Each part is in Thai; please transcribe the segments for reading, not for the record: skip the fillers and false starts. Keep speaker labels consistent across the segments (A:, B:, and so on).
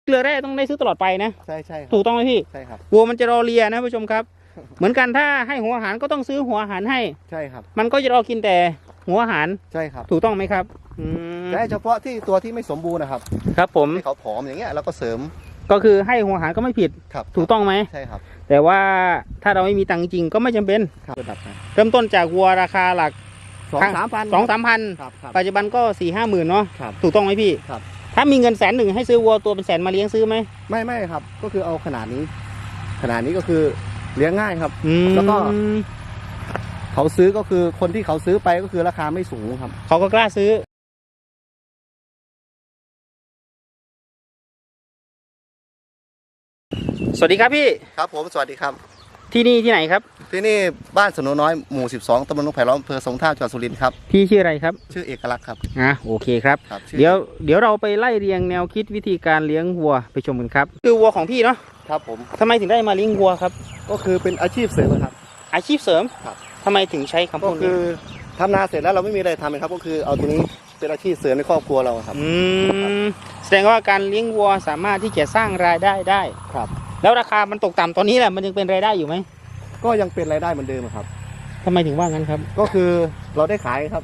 A: เกลือแร่ต้องได้ซื้อตลอดไปนะ
B: ใช่ใช่
A: ถูกต้องไหมพี่
B: ใช่ครับ
A: วัวมันจะรอเลียนะผู้ชมครับ เหมือนกันถ้าให้หัวอาหารก็ต้องซื้อหัวอาหารให้
B: ใช่ครับ
A: มันก็จะรอกินแต่หัวอาหาร
B: ใช่ครับ
A: ถูกต้องไหมครับ
B: แต่เฉพาะที่ตัวที่ไม่สมบูรณ์นะครับ
A: ครับผม
B: ที่เขาผอมอย่างเงี้ยเราก็เสริม
A: ก็คือให้หัวอาหารก็ไม่ผิด
B: ครับ
A: ถูกต้องไหม
B: ใช่ครับ
A: แต่ว่าถ้าเราไม่มีตังค์จริงก็ไม่จำเป็นเริ่มต้นจากวัวราคาหลัก2-3 พันปัจจุบันก็4-5 หมื่นเนาะถูกต้องไหมพี่
B: ครับ
A: ถ้ามีเงิน100,000ให้ซื้อวัวตัวเป็นแสนมาเลี้ยงซื้อไหม
B: ไม่ครับก็คือเอาขนาดนี้ก็คือเลี้ยงง่ายครับแล้วก็เขาซื้อก็คือคนที่เขาซื้อไปก็คือราคาไม่สูงครับ
A: เขาก็กล้าซื้อสวัสดีครับพี่
B: ครับผมสวัสดีครับ
A: ที่นี่ที่ไหนครับ
B: ที่นี่บ้านสนุน้อยหมู่12ตำบลนกไผ่ล้อมอำเภอสงขลาจังหวัดสุรินทร์ครับ
A: พี่ชื่ออะไรครับ
B: ชื่อเอกลักษณ์ครับ
A: โอเคครับเดี๋ยวเราไปไล่เรียงแนวคิดวิธีการเลี้ยงวัวไปชมกันครับคือวัวของพี่เนาะ
B: ครับผม
A: ทำไมถึงได้มาเลี้ยงวัวครับ
B: ก็คือเป็นอาชีพเสริมครับ
A: อาชีพเสริม
B: ครับ
A: ทำไมถึงใช้คำพูดนี้
B: ก็คือทำนาเสร็จแล้วเราไม่มีอะไรทำครับก็คือเอาตัวนี้เป็นอาชีพเสริมในครอบครัวเราครับ
A: แสดงว่าการเลี้ยงวัวสามารถที่จะสร้างรายได้ได้
B: ครับ
A: แล้วราคามันตกต่ำตอนนี้แหละมันยังเป็นรายได้อยู่ไหม
B: ก็ยังเป็นรายได้เหมือนเดิมครับ
A: ทำไมถึงว่างั้นครับ
B: ก็คือเราได้ขายครับ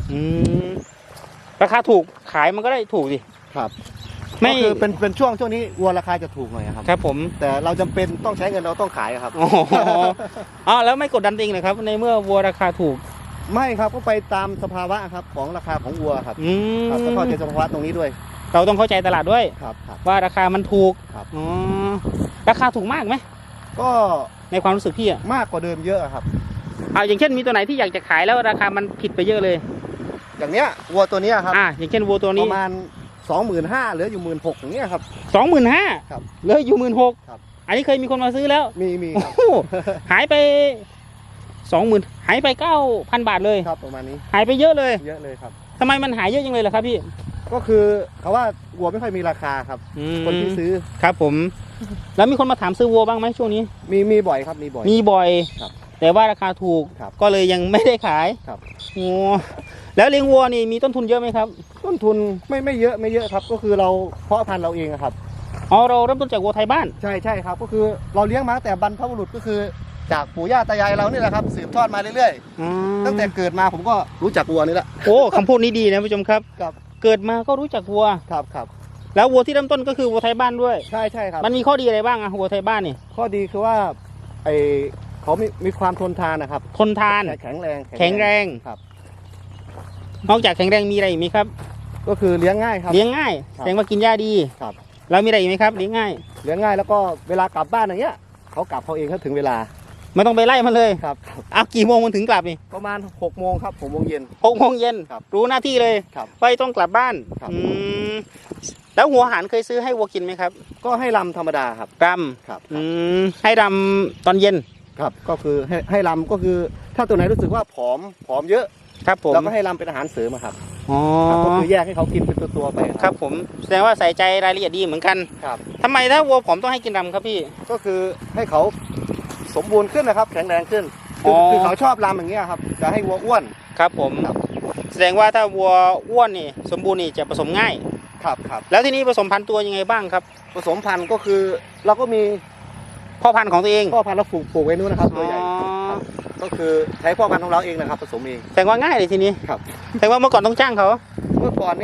A: ราคาถูกขายมันก็ได้ถูกดิ
B: ครับไม่คือเป็นช่วงนี้วัวราคาจะถูกหน่อยครับ
A: ครับผม
B: แต่เราจำเป็นต้องใช้เงินเราต้องขายครับ
A: อ๋อแล้วไม่กดดันเองเลยครับในเมื่อวัวราคาถูก
B: ไม่ครับก็ไปตามสภาวะครับของราคาของวัวครับต้องเข้าใจสภาวะตรงนี้ด้วย
A: เราต้องเข้าใจตลาดด้วยว่าราคามันถูกราคาถูกมากไหม
B: ก็
A: ในความรู้สึกพี่
B: มากกว่าเดิมเยอะครับ
A: อย่างเช่นมีตัวไหนที่อยากจะขายแล้วราคามันผิดไปเยอะเลย
B: อย่างเนี้ยวัวตัวนี้ครับ
A: อย่างเช่นวัวตัวนี้
B: ประมาณ25,000เหลืออยู่16,000อย่างเงี้ยครับ
A: 25,000ครับเหลืออยู่16,000ครับอันนี้เคยมีคนมาซื้อแล้ว
B: มีครับ
A: หายไป20,000หายไป 9,000 บาทเลย
B: ครับประมาณนี้
A: หายไปเยอะเลย
B: ครับ
A: ทำไมมันหายเยอะจังเลยล่ะครับพี่
B: ก็คือเขาว่าวัวไม่ค่อยมีราคาครับคนที่ซื้อ
A: ครับผมแล้วมีคนมาถามซื้อวัวบ้างไหมช่วงนี้
B: มีบ่อยครับมี
A: บ่อย
B: ครับ
A: แต่ว่าราคาถูกก็เลยยังไม่ได้ขาย
B: ครับ
A: โอ้แล้วเลี้ยงวัวนี่มีต้นทุนเยอะไหมครับ
B: ต้นทุนไม่เยอะครับก็คือเราเพาะพันธุ์เราเองครับ
A: เราเริ่มต้นจากวัวไทยบ้าน
B: ใช่ครับก็คือเราเลี้ยงมาแต่บรรพบุรุษก็คือจากปู่ย่าตายายเรานี่แหละครับสืบทอดมาเรื่อยๆตั้งแต่เกิดมาผมก็รู้จักวัวนี่แหละ
A: โอ้คำพูดนี้ดีนะผู้ชมครับเกิดมาก็รู้จักวัว
B: ครับ
A: แล้ววัวที่เริ่มต้นก็คือวัวไทยบ้านด้วย
B: ใช่ครับ
A: มันมีข้อดีอะไรบ้างวัวไทยบ้านนี่
B: ข้อดีคือว่าเขามีความทนทานนะครับ
A: ทนทาน
B: แข็งแรง
A: ครับนอกจากแข็งแรงมีอะไรอีกไหมครับ
B: ก็คือเลี้ยงง่ายครับ
A: เลี้ยงง่ายแสดงว่ากินหญ้าดี
B: ครับ
A: แล้วมีอะไรอีกไหมครับเลี้ยงง่าย
B: แล้วก็เวลากลับบ้านอย่างเงี้ยเขากลับเขาเองเขาถึงเวลา
A: ไม่ต้องไปไล่มันเลย
B: ครับ
A: กี่โมงมันถึงกลับนี่
B: ประมาณ6 โมงครับ6 โมงเย็น
A: 6 โมงเย็นรู้หน้าที่เลยไปต้องกลับบ้านแล้วหัวอาหารเคยซื้อให้วัวกินไหมครับ
B: ก็ให้รำธรรมดาครับ
A: รำครับให้รำตอนเย็น
B: ครับก็คือให้รำก็คือถ้าตัวไหนรู้สึกว่าผอมเยอะ
A: ครับผม
B: เราก็ให้รำเป็นอาหารเสริมครับก็คือแยกให้เขากินเป็นตัวไป
A: ครับผมแสดงว่าใส่ใจรายละเอียดดีเหมือนกัน
B: ครับ
A: ทำไมถ้าวัวผอมต้องให้กินรำครับพี่
B: ก็คือให้เขาสมบูรณ์ขึ้นนะครับแข็งแรงขึ้นคือเขาชอบรำอย่างเงี้ยครับจะให้วัวอ้วน
A: ครับผมแสดงว่าถ้าวัวอ้วนนี่สมบูรณ์นี่จะผสมง่าย
B: ครับ
A: แล้วที่นี้ผสมพันธุ์ตัวยังไงบ้างครับ
B: ผสมพันธุ์ก็คือเราก็มี
A: พ่อพันธุ์ของตัวเอง
B: พ่อพันธุ์เราปลูกไว้นู้นนะครับตัวใหญ่ก็คือใช้พ่อพันธุ์ของเราเองนะครับผสมเอง
A: แต่ว่าง่ายเลยทีนี้
B: ครับ
A: แต่ว่าเมื่อก่อนต้องจ้างเขา
B: เมื่อก่อน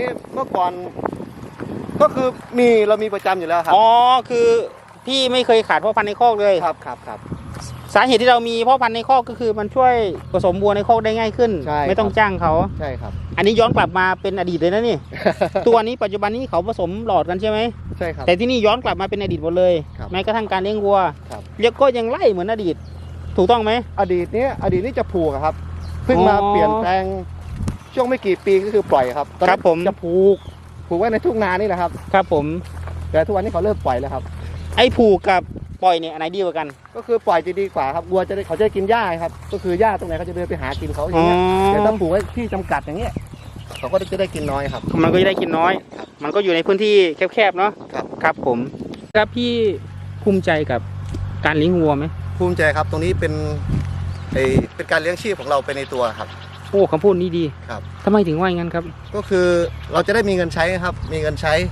B: ก็คือเรามีประจำอยู่แล้วครับ
A: คือพี่ไม่เคยขาดพ่อพันธุ์ในคอกเลย
B: ครับ
A: สาเหตุที่เรามีพ่อพันธุ์ในคอกก็คือมันช่วยผสมวัวในคอกได้ง่ายขึ้นไม่ต้องจ้างเขา
B: ใช่ครับ
A: อันนี้ย้อนกลับมาเป็นอดีตเลยนะนี่ ตัวนี้ปัจจุบันนี้เขาผสมหลอดกันใช่ไหม
B: ใช่ครับ
A: แต่ที่นี่ย้อนกลับมาเป็นอดีตหมดเลยแม้กระทั่งการเลี้ยงวัวเรียกก็ยังไล่เหมือนอดีตถูกต้องไหม
B: อดีตนี้จะผูกครับเพิ่งมาเปลี่ยนแปลงช่วงไม่กี่ปีก็คือปล่อยครับ
A: ครับผม
B: จะผูกไว้ในทุ่งนานี่แหละครับ
A: ครับผม
B: แต่ทุกวันนี้เขาเริ่มปล่อยแล้วครับ
A: ไอ้ผูกกับปล่อยเนี่ยอันไหนดีกว่ากัน
B: ก็คือปล่อยจะดีกว่าครับวัวเขาจะกินหญ้าครับก็คือหญ้าตรงไหนเขาจะเดินไปหากินเขาอย่างเงี้ยแต่ถ้าผูกไว้ที่จำกัดอย่างเงี้ยเขาก็จะได้กินน้อยครับ
A: มันก็จะได้กินน้อยมันก็อยู่ในพื้นที่แคบๆเนาะครับผมครับพี่ภูมิใจกับการเลี้ยงวัวไหม
B: ภูมิใจครับตรงนี้เป็นการเลี้ยงชีพของเราไปในตัวครับ
A: โอ้คำพูดนี้ดี
B: ครับ
A: ทำไมถึงว่าอย่างนั้นครับ
B: ก็คือเราจะได้มีเงินใช้ครับมีเงินใช้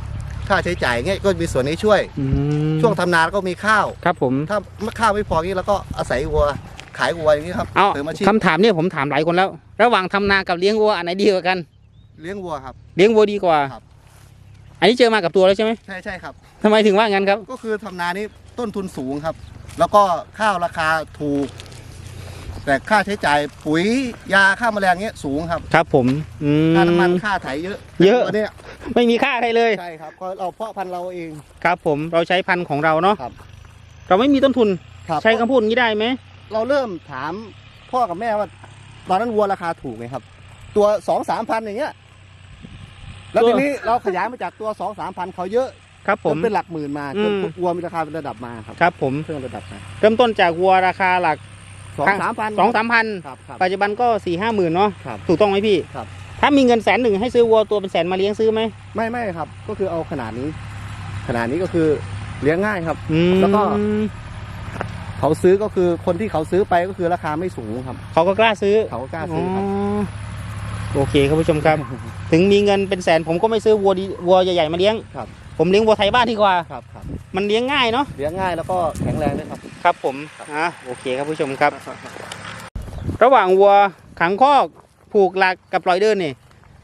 B: ค่าใช้จ่ายเงี้ยก็มีส่วนนี้ช่วยช่วงทำนาก็มีข้าว
A: ครับผม
B: ถ้าข้าวไม่พองี้เราก็อาศัยวัวขายวัวอย่างนี้ครับ
A: เอาคำถามเนี่ยผมถามหลายคนแล้ว ระหว่างทำนากับเลี้ยงวัวอันไหนดีกว่ากัน
B: เลี้ยงวัวครับ
A: เลี้ยงวัวดีกว่าอันนี้เจอมากับตัวแล้วใช่ไหม
B: ใช่ครับ
A: ทำไมถึงว่างั้นครับ
B: ก็คือทำนานี้ต้นทุนสูงครับแล้วก็ข้าวราคาถูกแต่ค่าใช้จ่ายปุ๋ยยาฆ่าแมลงเงี้ยสูงครับ
A: ครับผม
B: ค่าน้ำมันค่าไถเยอะ
A: เนี่ยไม่มีค่าอะไรเลย
B: ใช่ครับก็เราเพาะพันธุ์เราเอง
A: ครับผมเราใช้พันธุ์ของเราเนาะเราไม่มีต้นทุนใช้คำพูดนี้ได้ไหม
B: เราเริ่มถามพ่อกับแม่ว่าตอนนั้นวัวราคาถูกไงครับตัว 2-3 พันอย่างเงี้ยแล้วทีนี้เราขยายมาจากตัว 2-3 พันเขาเยอะ
A: ครับผม
B: เป็นหลักหมื่นมาจนวัวมีราคาเป็นระดับมา
A: ครับผม
B: เพิ่มระดับมา
A: เริ่มต้นจากวัวราคาหลัก
B: 2-3 พัน
A: ปัจจุบันก็4-5 หมื่นเนาะถูกต้องไหมพี่ถ้ามีเงิน100,000ให้ซื้อวัวตัวเป็นแสนมาเลี้ยงซื้อไหม
B: ไม่ครับก็คือเอาขนาดนี้ก็คือเลี้ยงง่ายครับแล้วก็เขาซื้อก็คือคนที่เขาซื้อไปก็คือราคาไม่สูงครับ
A: เขาก็กล้าซื้อ
B: ครับ
A: โอเคครับผู้ชมครับถึงมีเงินเป็นแสนผมก็ไม่ซื้อวัวใหญ่ๆมาเลี้ยงผมเลี้ยงวัวไทยบ้านดีกว่า
B: ครับ
A: มันเลี้ยงง่ายเนาะ
B: เลี้ยงง่ายแล้วก็แข็งแรงด้วยครับ
A: ครับผมโอเคครับผู้ชมครับระหว่างวัวขังคอกผูกหลักกับปล่อยเดินนี่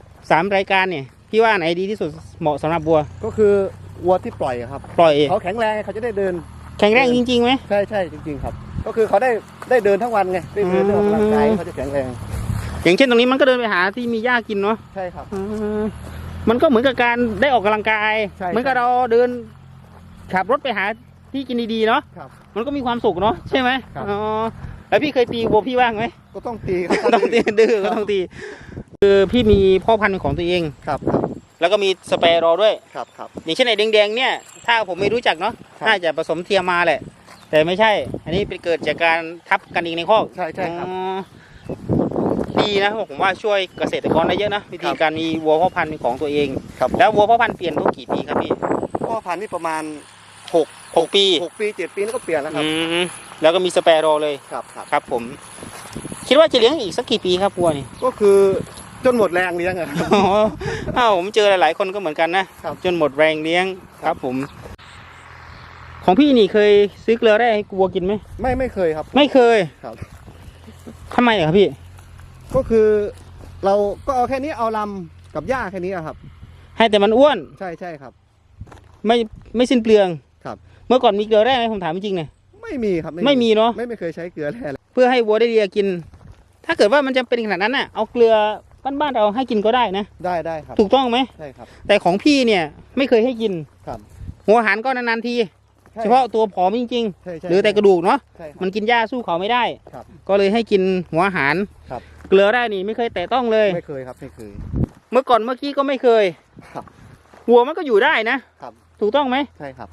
A: 3 รายการเนี่ยพี่ว่าไหนดีที่สุดเหมาะสำหรับวัว
B: ก็คือวัวที่ปล่อยครับ
A: ปล่อย
B: เขาแข็งแรงเขาจะได้เดิน
A: แข็งแรงจริงๆไหม
B: ใช่จริงๆครับก็คือเขาได้เดินทั้งวันไงได้เดินออกกำลังกายเขาจะแข็งแรง
A: อย่างเช่นตรงนี้มันก็เดินไปหาที่มีหญ้ากินเนาะ
B: ใช่ครับ
A: มันก็เหมือนกับการได้ออกกำลังกายเหมือนกับเราเดินขับรถไปหาที่กินดีๆเนาะมันก็มีความสุขเนาะใช่ไหมแล้วพี่เคยตีวัวพี่บ้างไหม
B: ก็ต้องตี
A: ต้องตีดื้อก็ต้องตีคือพี่มีพ่อพันธุ์ของตัวเอง
B: ครับ
A: แล้วก็มีสเปรย์รอด้วย
B: ครับ
A: อย่างเช่นไอ้แดงๆเนี่ยถ้าผมไม่รู้จักเนาะน่าจะผสมเทียมมาแหละแต่ไม่ใช่อันนี้เป็นเกิดจากการทับกันเองในคอก
B: ใช่ครับ
A: ดีนะผมว่าช่วยเกษตรกรได้เยอะนะวิธีการมีวัวพ่อพันธุ์ของตัวเองแล้ววัวพ่อพันธุ์เปลี่ยนทุกกี่ปีครับพี่
B: พ่อพันธุ์นี่ประมาณ
A: 6 ปี
B: 7 ปีแล้วก็เปลี่ยนแล้วครับ
A: แล้วก็มีสเปรย์รอเลยครับผมคิดว่าจะเลี้ยงอีกสักกี่ปีครับวัวนี่
B: ก็คือจนหมดแรงเลี้ยงอะ
A: ผมเจอหลายๆคนก็เหมือนกันนะจนหมดแรงเลี้ยงครับผมของพี่นี่เคยซื้อเกลือแร่ให้วัวกินไหม
B: ไม่เคยครับ
A: ไม่เคย
B: ครับ
A: ทำไมครับพี่
B: ก็คือเราก็เอาแค่นี้เอาลำกับหญ้าแค่นี้ครับ
A: ให้แต่มันอ้วน
B: ใช่ครับ
A: ไม่สิ้นเปลือง
B: ครับ
A: เมื่อก่อนมีเกลือแร่ไหมผมถามจริงๆเนี่ย
B: ไม่มีครับ
A: ไม่มีเนาะ
B: ไม่เคยใช้เกลือแร่
A: เพื่อให้วัวได้เลียกินถ้าเกิดว่ามันจะเป็นขนาดนั้นน่ะเอาเกลือบ้านเราให้กินก็ได้นะ
B: ได้ครับ
A: ถูกต้องไหม
B: ใช่ครับ
A: แต่ของพี่เนี่ยไม่เคยให้กิน
B: ครับ
A: หัวอาหารก็นานๆทีเฉพาะตัวผอมจริงๆหรือแต่กระดูกเนาะมันกินหญ้าสู้เขาไม่ได้ก็เลยให้กินหัวอาหารเกลือได้นี่ไม่เคยแตะต้องเลย
B: ไม่เคยครับไม่เคย
A: เมื่อกี้ก็ไม่เคยวัวมันก็อยู่ได้นะถูกต้องไหม
B: ใช่ครับ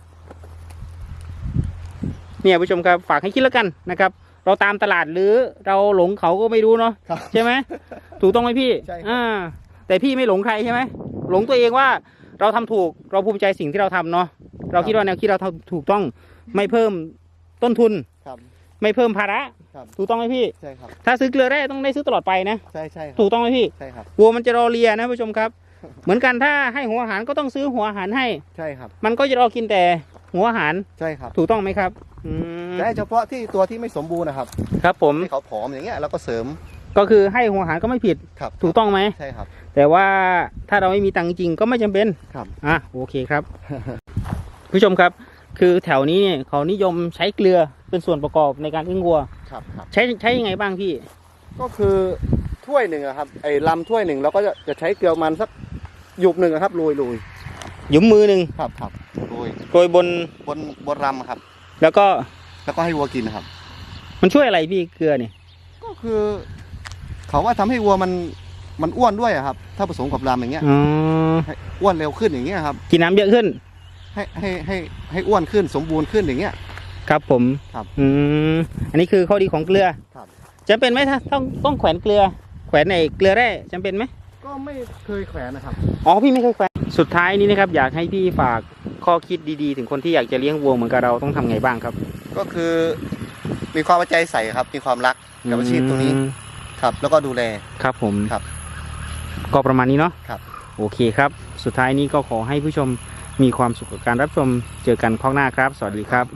A: เนี่ยผู้ชมครับฝากให้คิดแล้วกันนะครับเราตามตลาดหรือเราหลงเขาก็ไม่รู้เนาะใช่ไหมถูกต้องไหมพี่
B: ใช่
A: แต่พี่ไม่หลงใครใช่ไหมหลงตัวเองว่าเราทำถูกเราภูมิใจสิ่งที่เราทำเนาะเราคิดว่าแนวคิดเราถูกต้องไม่เพิ่มต้นทุนไม่เพิ่มภาระถูกต้องไหมพี่
B: ใช่ครับ
A: ถ้าซื้อเกลือแร่ต้องได้ซื้อตลอดไปนะ
B: ใช่
A: ถูกต้องไหมพี่
B: ใช่ครับ
A: วัวมันจะรอเลียนะผู้ชมครับเหมือนกันถ้าให้หัวอาหารก็ต้องซื้อหัวอาหารให้
B: ใช่ครับ
A: มันก็จะรอกินแต่หัวอาหาร
B: ใช่ครับ
A: ถูกต้องไหมครับ
B: แต่เฉพาะที่ตัวที่ไม่สมบูรณ์นะครับ
A: ครับผม
B: ที่เขาผอมอย่างเงี้ยเราก็เสริม
A: ก็คือให้หัวอาหารก็ไม่ผิดถูกต้องไหม
B: ใช่ครับ
A: แต่ว่าถ้าเราไม่มีตังค์จริงก็ไม่จำเป็น
B: ครับ
A: โอเคครับ ผู้ชมครับคือแถวนี้เนี่ยเขานิยมใช้เกลือเป็นส่วนประกอบในการเลี้ยงวัว
B: ครับ
A: ใช้ยังไงบ้างพี่
B: ก็คือถ้วยหนึ่งครับไอ้ลำถ้วยหนึ่งเราก็จะใช้เกลือมันสักหยุบหนึ่งครับโรย
A: หยุมมือหนึ่ง
B: ครับ
A: โรยบน
B: ลำครับ
A: แล้วก็
B: ให้วัวกินครับ
A: มันช่วยอะไรพี่เกลือเนี่ย
B: ก็คือเขาว่าทำให้วัวมันอ้วนด้วยครับถ้าผสมกับลำอย่างเงี้ยอ้วนเร็วขึ้นอย่างเงี้ยครับ
A: กินน้ำเยอะขึ้น
B: ให้อ้วนขึ้นสมบูรณ์ขึ้นอย่างเงี้ย
A: ครับผม
B: ครับ
A: อันนี้คือข้อดีของเกลือ
B: ครับ
A: จำเป็นไหมถ้าต้องแขวนเกลือแขวนในเกลือแร่จำเป็นไหม
B: ก็ไม่เคยแขวนนะครับ
A: พี่ไม่เคยแขวนสุดท้ายนี้นะครับอยากให้พี่ฝากข้อคิดดีๆถึงคนที่อยากจะเลี้ยงวัวเหมือนกับเราต้องทำไงบ้างครับ
B: ก็คือมีความใจใส่ครับมีความรักกับอาชีพตรงนี้ครับแล้วก็ดูแล
A: ครับผม
B: ครับ
A: ก็ประมาณนี้เนาะ
B: ครับ
A: โอเคครับสุดท้ายนี้ก็ขอให้ผู้ชมมีความสุขกับการรับชมเจอกันข้างหน้าครับ สวัสดีครับ